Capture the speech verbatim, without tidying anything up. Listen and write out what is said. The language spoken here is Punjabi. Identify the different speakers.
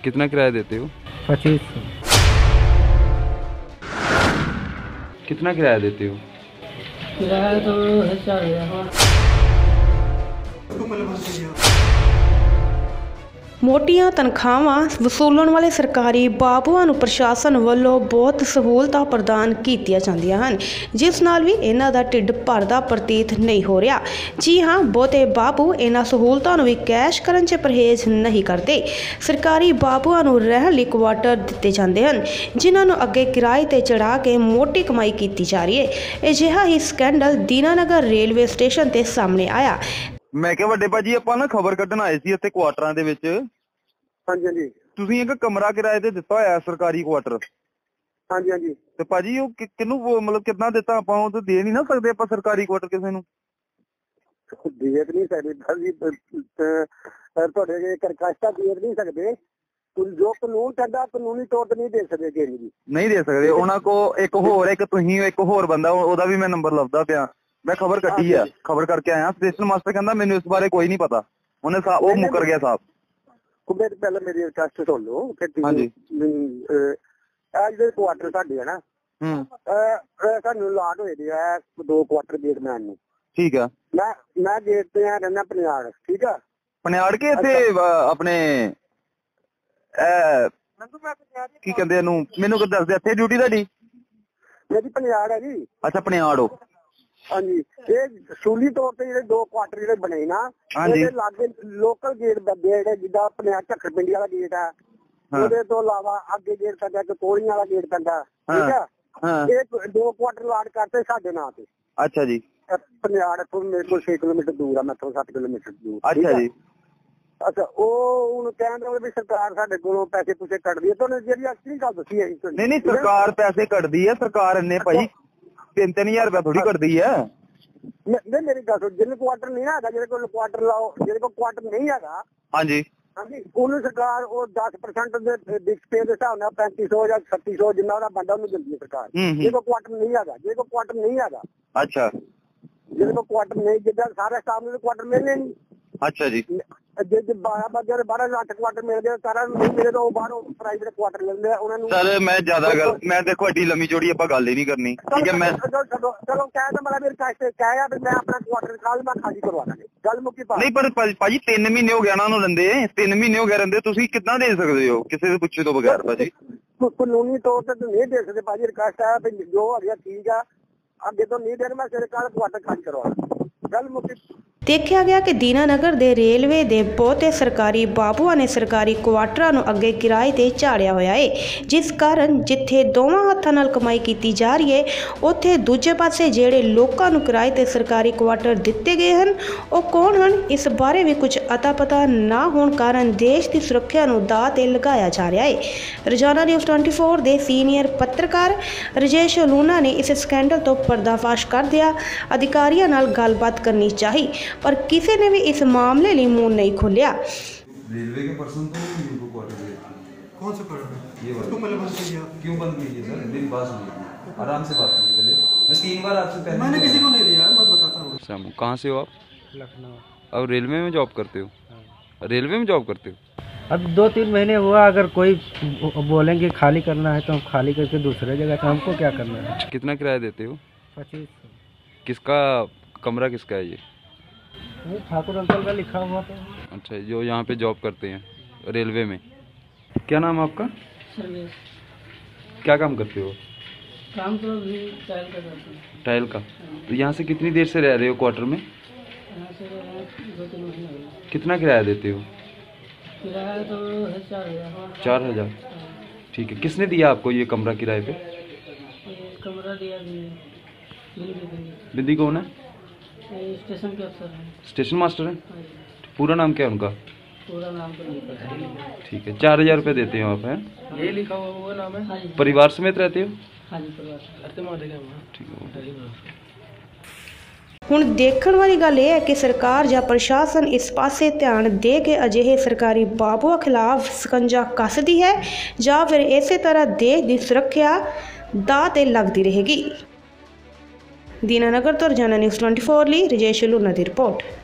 Speaker 1: कितना किराया देते हो?
Speaker 2: पच्चीस।
Speaker 1: कितना किराया देते हो?
Speaker 2: किराया तो है चार हजार।
Speaker 3: ਮੋਟੀਆਂ ਤਨਖਾਹਾਂ ਵਸੂਲਣ ਵਾਲੇ ਸਰਕਾਰੀ ਬਾਬੂਆਂ ਨੂੰ ਪ੍ਰਸ਼ਾਸਨ ਵੱਲੋਂ ਬਹੁਤ ਸਹੂਲਤਾਂ ਪ੍ਰਦਾਨ ਕੀਤੀਆਂ ਜਾਂਦੀਆਂ ਹਨ, ਜਿਸ ਨਾਲ ਵੀ ਇਹਨਾਂ ਦਾ ਢਿੱਡ ਭਰਦਾ ਪ੍ਰਤੀਤ ਨਹੀਂ ਹੋ ਰਿਹਾ। ਜੀ ਹਾਂ, ਬਹੁਤੇ ਬਾਬੂ ਇਹਨਾਂ ਸਹੂਲਤਾਂ ਨੂੰ ਵੀ ਕੈਸ਼ ਕਰਨ 'ਚ ਪਰਹੇਜ਼ ਨਹੀਂ ਕਰਦੇ। ਸਰਕਾਰੀ ਬਾਬੂਆਂ ਨੂੰ ਰਹਿਣ ਲਈ ਕੁਆਟਰ ਦਿੱਤੇ ਜਾਂਦੇ ਹਨ, ਜਿਨ੍ਹਾਂ ਨੂੰ ਅੱਗੇ ਕਿਰਾਏ 'ਤੇ ਚੜ੍ਹਾ ਕੇ ਮੋਟੀ ਕਮਾਈ ਕੀਤੀ ਜਾ ਰਹੀ ਹੈ। ਅਜਿਹਾ ਹੀ ਸਕੈਂਡਲ ਦੀਨਾਨਗਰ ਰੇਲਵੇ ਸਟੇਸ਼ਨ 'ਤੇ ਸਾਹਮਣੇ ਆਇਆ।
Speaker 4: ਮੈਂ ਕਿਹਾ ਵੱਡੇ ਭਾਜੀ ਆਪਾਂ ਨਾ ਖਬਰ ਕੱਢਣ ਆਏ ਸੀ ਇੱਥੇ ਕੁਆਟਰਾਂ ਦੇ ਵਿੱਚ।
Speaker 5: ਹਾਂਜੀ ਹਾਂਜੀ।
Speaker 4: ਤੁਸੀਂ ਇੱਕ ਕਮਰਾ ਕਿਰਾਏ ਤੇ ਦਿੱਤਾ ਹੋਇਆ ਸਰਕਾਰੀ ਕੁਆਟਰ।
Speaker 5: ਹਾਂਜੀ ਹਾਂਜੀ।
Speaker 4: ਤੇ ਭਾਜੀ ਉਹ ਕਿਹਨੂੰ ਮਤਲਬ ਕਿੰਨਾ ਦਿੱਤਾ? ਆਪਾਂ ਉਹ ਤਾਂ ਦੇ ਨਹੀਂ ਨਾ ਸਕਦੇ ਆਪਾਂ ਸਰਕਾਰੀ ਕੁਆਟਰ ਕਿਸੇ ਨੂੰ।
Speaker 5: ਦੇ ਨਹੀਂ ਸਕਦੇ ਭਾਜੀ, ਤੁਹਾਡੇ ਕਰਕਸ਼ਤਾ ਦੇ ਨਹੀਂ ਸਕਦੇ। ਜੋ ਕਾਨੂੰਨ ਕਹਿੰਦਾ ਕਾਨੂੰਨੀ ਤੌਰ ਤੇ ਨਹੀਂ ਦੇ ਸਕਦੇ ਕਿਸੇ ਨੂੰ। ਨਹੀਂ
Speaker 4: ਦੇ ਸਕਦੇ। ਉਹਨਾਂ ਕੋ ਇੱਕ ਹੋਰ ਇੱਕ ਤੁਸੀਂ ਇੱਕ ਹੋਰ ਬੰਦਾ, ਉਹਦਾ ਵੀ ਮੈਂ ਨੰਬਰ ਲੱਭਦਾ ਪਿਆ। ਮੈਂ ਖਬਰ ਕੱਢੀ ਆ, ਖਬਰ ਕਰਕੇ ਆਇਆ। ਸਟੇਸ਼ਨ ਮਾਸਟਰ ਕਹਿੰਦਾ ਮੈਨੂੰ ਇਸ ਬਾਰੇ ਕੋਈ ਨਹੀਂ ਪਤਾ। ਉਹਨੇ ਉਹ ਮੁੱਕਰ ਗਿਆ ਸਾਹਿਬ।
Speaker 5: ਮੇਰੇ ਪਹਿਲਾਂ ਮੇਰੀ ਰਿਕਵੈਸਟ ਸੁਣ ਲਓ।
Speaker 4: ਹਾਂਜੀ।
Speaker 5: ਇਹ ਜਿਹੜੇ ਕੁਆਟਰ ਸਾਡੇ ਹੈ ਨਾ, ਸਾਨੂੰ ਲਾਟ ਹੋਏ ਦੇ ਆ ਦੋ ਕੁਆਟਰ ਗੇਟਮੈਨ ਨੂੰ।
Speaker 4: ਠੀਕ ਆ।
Speaker 5: ਮੈਂ ਮੈਂ ਗੇਟ ਤੇ ਆ ਰਹਿੰਦਾ ਪਨਿਆੜ। ਠੀਕ ਆ।
Speaker 4: ਪਨਿਆੜ ਕੇ ਇੱਥੇ ਆਪਣੇ ਕੀ ਕਹਿੰਦੇ ਇਹਨੂੰ, ਮੈਨੂੰ ਕੁਝ ਦੱਸਦੇ ਇੱਥੇ ਡਿਊਟੀ ਤੁਹਾਡੀ?
Speaker 5: ਮੇਰੀ ਪਨਿਆੜ ਹੈ ਜੀ।
Speaker 4: ਅੱਛਾ ਪਨਿਆੜ ਹੋ।
Speaker 5: ਹਾਂਜੀ। ਇਹ ਸੂਲੀ ਤੌਰ ਤੇ ਜਿਹੜੇ ਦੋ ਕੁਆਟਰ ਜਿਹੜੇ ਬਣੇ ਨਾ, ਉਹਦੇ ਲਾਗੇ ਲੋਕਲ ਗੇਟ ਬੰਦੇ ਜਿਹੜੇ ਜਿੱਦਾਂ ਪਨਿਆੜ ਝੱਖੜ ਪਿੰਡੀ ਵਾਲਾ ਗੇਟ ਆ, ਉਹਦੇ ਤੋਂ ਇਲਾਵਾ ਅੱਗੇ ਗੇਟ ਪੈਂਦਾ ਇੱਕ ਕੋਲੀਆਂ ਵਾਲਾ ਗੇਟ ਪੈਂਦਾ। ਠੀਕ ਆ। ਇਹ ਦੋ ਕੁਆਟਰ ਲਾਟ ਕਰਤੇ ਸਾਡੇ ਨਾਂ ਤੇ।
Speaker 4: ਅੱਛਾ ਜੀ।
Speaker 5: ਪਨਿਆੜ ਇੱਥੋਂ ਮੇਰੇ ਕੋਲ ਛੇ ਕਿਲੋਮੀਟਰ ਦੂਰ ਆ, ਮੈਥੋਂ ਸੱਤ ਕਿਲੋਮੀਟਰ ਦੂਰ।
Speaker 4: ਅੱਛਾ ਜੀ।
Speaker 5: ਅੱਛਾ, ਉਹ ਹੁਣ ਕਹਿੰਦੇ ਵੀ ਸਰਕਾਰ ਸਾਡੇ ਕੋਲੋਂ ਪੈਸੇ ਪੂਸੇ ਕੱਢਦੀ ਹੈ। ਤੁਹਾਨੂੰ ਜਿਹੜੀ ਅਸਲੀ ਗੱਲ ਦੱਸੀ ਹੈ।
Speaker 4: ਨਹੀਂ ਨਹੀਂ, ਸਰਕਾਰ ਪੈਸੇ ਕੱਢਦੀ ਹੈ। ਸਰਕਾਰ ਇੰਨੇ ਭਾਈ ਤਿੰਨ ਤਿੰਨ ਹਜ਼ਾਰ ਰੁਪਇਆ ਥੋੜੀ ਕੱਢਦੀ ਹੈ।
Speaker 5: ਨਹੀਂ ਮੇਰੀ ਗੱਲ ਸੁਣ, ਜਿਹਨੇ ਕੁਆਟਰ ਨਹੀਂ ਹੈਗਾ, ਜਿਹਦੇ ਕੋਲ ਕੁਆਟਰ ਲਾਓ, ਜਿਹਦੇ ਕੋਲ ਕੁਆਟਰ ਨਹੀਂ ਹੈਗਾ,
Speaker 4: ਹਾਂਜੀ
Speaker 5: ਹਾਂਜੀ, ਉਹਨੂੰ ਸਰਕਾਰ ਉਹ ਦਸ ਪਰਸੈਂਟ ਦੇ ਡਿਸਪੇ ਦੇ ਹਿਸਾਬ ਨਾਲ ਪੈਂਤੀ ਸੌ ਜਾਂ ਛੱਤੀ ਸੌ ਜਿੰਨਾ ਉਹਦਾ ਬੰਦਾ ਉਹਨੂੰ ਦਿੰਦੀ ਹੈ ਸਰਕਾਰ। ਜਿਹਦੇ ਕੋਲ ਕੁਆਟਰ ਨਹੀਂ ਹੈਗਾ, ਜਿਹਦੇ ਕੋਲ ਕੁਆਟਰ ਨਹੀਂ ਹੈਗਾ।
Speaker 4: ਅੱਛਾ।
Speaker 5: ਜਿਹਦੇ ਕੋਲ ਕੁਆਟਰ ਨਹੀਂ, ਜਿੱਦਾਂ ਸਾਰੇ ਸਟਾਫ ਨੂੰ ਕੁਆਟਰ ਮਿਲਣੇ ਨਹੀਂ।
Speaker 4: ਅੱਛਾ ਜੀ।
Speaker 5: ਜੇ ਬਾਰਾਂ ਬੰਦੇ ਬਾਰਾਂ ਲੱਖ ਕੁਆਟਰ ਮਿਲ ਗਏ, ਸਾਰਾ ਨਹੀਂ ਮਿਲੇ ਤਾਂ ਉਹ ਬਾਹਰੋਂ ਪ੍ਰਾਈਵੇਟ ਕੁਆਟਰ ਲੈਂਦੇ ਆ ਉਹਨਾਂ ਨੂੰ।
Speaker 4: ਸਰ ਮੈਂ ਜ਼ਿਆਦਾ ਗੱਲ, ਮੈਂ ਦੇਖੋ ਐਡੀ ਲੰਮੀ ਚੌੜੀ ਆਪਾਂ ਗੱਲ ਹੀ ਨਹੀਂ ਕਰਨੀ। ਠੀਕ ਹੈ। ਮੈਂ
Speaker 5: ਚਲੋ ਚਲੋ ਕਹਿ ਤਾਂ ਮੇਰਾ ਮੇਰੇ ਕਾਸਤੇ ਕਹਿ ਆ ਵੀ ਮੈਂ ਆਪਣਾ ਕੁਆਟਰ ਕੱਲ ਮੈਂ ਖਾਲੀ ਕਰਵਾ ਦਾਂਗੇ। ਗੱਲ ਮੁੱਕੀ ਪਾ। ਨਹੀਂ
Speaker 4: ਪਰ ਭਾਜੀ ਤਿੰਨ ਮਹੀਨੇ ਹੋ ਗਏ ਉਹਨਾਂ ਨੂੰ ਰਹਿੰਦੇ, ਤਿੰਨ ਮਹੀਨੇ ਹੋ ਗਏ ਰਹਿੰਦੇ, ਤੁਸੀਂ ਕਿੱਦਾਂ ਦੇ ਸਕਦੇ ਹੋ ਕਿਸੇ ਦੇ ਪੁੱਛੇ ਤੋਂ ਬਗੈਰ? ਭਾਜੀ
Speaker 5: ਕਾਨੂੰਨੀ ਤੌਰ ਤੇ ਨਹੀਂ ਦੇ ਸਕਦੇ ਭਾਜੀ। ਰਿਕਵੈਸਟ ਆ ਵੀ ਜੋ ਆ ਗਿਆ ਠੀਕ ਆ, ਅੱਗੇ ਤੋਂ ਨਹੀਂ ਦੇਣ। ਮੈਂ ਸਵੇਰੇ ਕੱਲ ਕੁਆਟਰ ਖਾਲੀ ਕਰਵਾਉਣਾ। ਗੱਲ ਮੁੱਕੀ।
Speaker 3: ਦੇਖਿਆ ਗਿਆ ਕਿ ਦੀਨਾਨਗਰ ਦੇ ਰੇਲਵੇ ਦੇ ਬਹੁਤੇ ਸਰਕਾਰੀ ਬਾਬੂਆਂ ਨੇ ਸਰਕਾਰੀ ਕੁਆਟਰਾਂ ਨੂੰ ਅੱਗੇ ਕਿਰਾਏ 'ਤੇ ਝਾੜਿਆ ਹੋਇਆ ਹੈ, ਜਿਸ ਕਾਰਨ ਜਿੱਥੇ ਦੋਵਾਂ ਹੱਥਾਂ ਨਾਲ ਕਮਾਈ ਕੀਤੀ ਜਾ ਰਹੀ ਹੈ, ਉੱਥੇ ਦੂਜੇ ਪਾਸੇ ਜਿਹੜੇ ਲੋਕਾਂ ਨੂੰ ਕਿਰਾਏ 'ਤੇ ਸਰਕਾਰੀ ਕੁਆਟਰ ਦਿੱਤੇ ਗਏ ਹਨ, ਉਹ ਕੌਣ ਹਨ? ਇਸ ਬਾਰੇ ਵੀ ਕੁਝ ਅਤਾ ਪਤਾ ਨਾ ਹੋਣ ਕਾਰਨ ਦੇਸ਼ ਦੀ ਸੁਰੱਖਿਆ ਨੂੰ ਦਾਅ 'ਤੇ ਲਗਾਇਆ ਜਾ ਰਿਹਾ ਹੈ। ਰੋਜ਼ਾਨਾ ਨਿਊਜ਼ ਚੌਵੀ ਦੇ ਸੀਨੀਅਰ ਪੱਤਰਕਾਰ ਰਜੇਸ਼ ਲੂਣਾ ਨੇ ਇਸ ਸਕੈਂਡਲ ਤੋਂ ਪਰਦਾਫਾਸ਼ ਕਰਦਿਆਂ ਅਧਿਕਾਰੀਆਂ ਨਾਲ ਗੱਲਬਾਤ ਕਰਨੀ ਚਾਹੀ, पर किसी ने भी इस मामले लिए मुंह नहीं खोलिया।
Speaker 1: रेलवे के पर्सन तो इनको क्वार्टर देते हैं।
Speaker 6: कौन सा क्वार्टर?
Speaker 1: ये वाला।
Speaker 6: क्यों पहले बंद किया?
Speaker 1: क्यों बंद कीजिए सर? मेरी बात सुनिए, आराम से बात कीजिए पहले। मैं तीन बार आपसे पहले
Speaker 6: मैंने किसी को नहीं दिया, मैं बताता हूँ।
Speaker 1: शामू कहाँ से हो आप?
Speaker 2: लखनऊ।
Speaker 1: अब रेलवे में जॉब करते हो? रेलवे में जॉब करते हो?
Speaker 2: अब दो तीन महीने हुआ, अगर कोई बोलेंगे खाली करना है तो हम खाली करके दूसरे जगह, तो हमको क्या करना है?
Speaker 1: कितना किराया देते हो?
Speaker 2: पच्चीस।
Speaker 1: किसका कमरा किसका है ये?
Speaker 2: ठाकुर अंकल का लिखा हुआ था।
Speaker 1: अच्छा, जो यहाँ पे जॉब करते हैं रेलवे में। क्या नाम है आपका?
Speaker 2: सर्वेश।
Speaker 1: क्या काम करते हो?
Speaker 2: काम तो अभी टाइल का करते हैं।
Speaker 1: टाइल का। तो यहाँ से कितनी देर से रह रहे हो क्वार्टर में?
Speaker 2: यहाँ से दो तीन महीने हो गए।
Speaker 1: कितना किराया देते हो?
Speaker 2: किराया तो है चार हजार।
Speaker 1: चार हजार ठीक है। किसने दिया आपको ये कमरा किराए पे?
Speaker 2: कमरा दिया बिंदी।
Speaker 1: बिंदी कौन है?
Speaker 2: स्टेशन के अफसर हैं।
Speaker 1: स्टेशन मास्टर है? पूरा नाम क्या है उनका?
Speaker 2: पूरा नाम तो नहीं पता।
Speaker 1: ठीक है। चार हजार रुपये देते हो आप? हैं
Speaker 2: ये लिखा हुआ वो नाम है।
Speaker 1: परिवार समेत रहते हो?
Speaker 2: हाँ जी, परिवार।
Speaker 1: ठीक है।
Speaker 3: ਹੁਣ ਦੇਖਣ ਵਾਲੀ ਗੱਲ ਇਹ ਹੈ ਕਿ ਸਰਕਾਰ ਜਾਂ ਪ੍ਰਸ਼ਾਸਨ ਇਸ ਪਾਸੇ ਧਿਆਨ ਦੇ ਕੇ ਅਜਿਹੇ ਸਰਕਾਰੀ ਬਾਬੂਆਂ ਖਿਲਾਫ ਸਕੰਜਾ ਕੱਸਦੀ ਹੈ ਜਾਂ ਫਿਰ ਇਸੇ ਤਰ੍ਹਾਂ ਦੇਸ਼ ਦੀ ਸੁਰੱਖਿਆ ਦਾਅ 'ਤੇ ਲੱਗਦੀ ਰਹੇਗੀ। ਦੀਨਾਨਗਰ ਤੋਂ ਰੋਜ਼ਾਨਾ ਨਿਊਜ਼ ਚੌਵੀ ਲਈ ਰਜੇਸ਼ ਲੂਣਾ ਦੀ ਰਿਪੋਰਟ।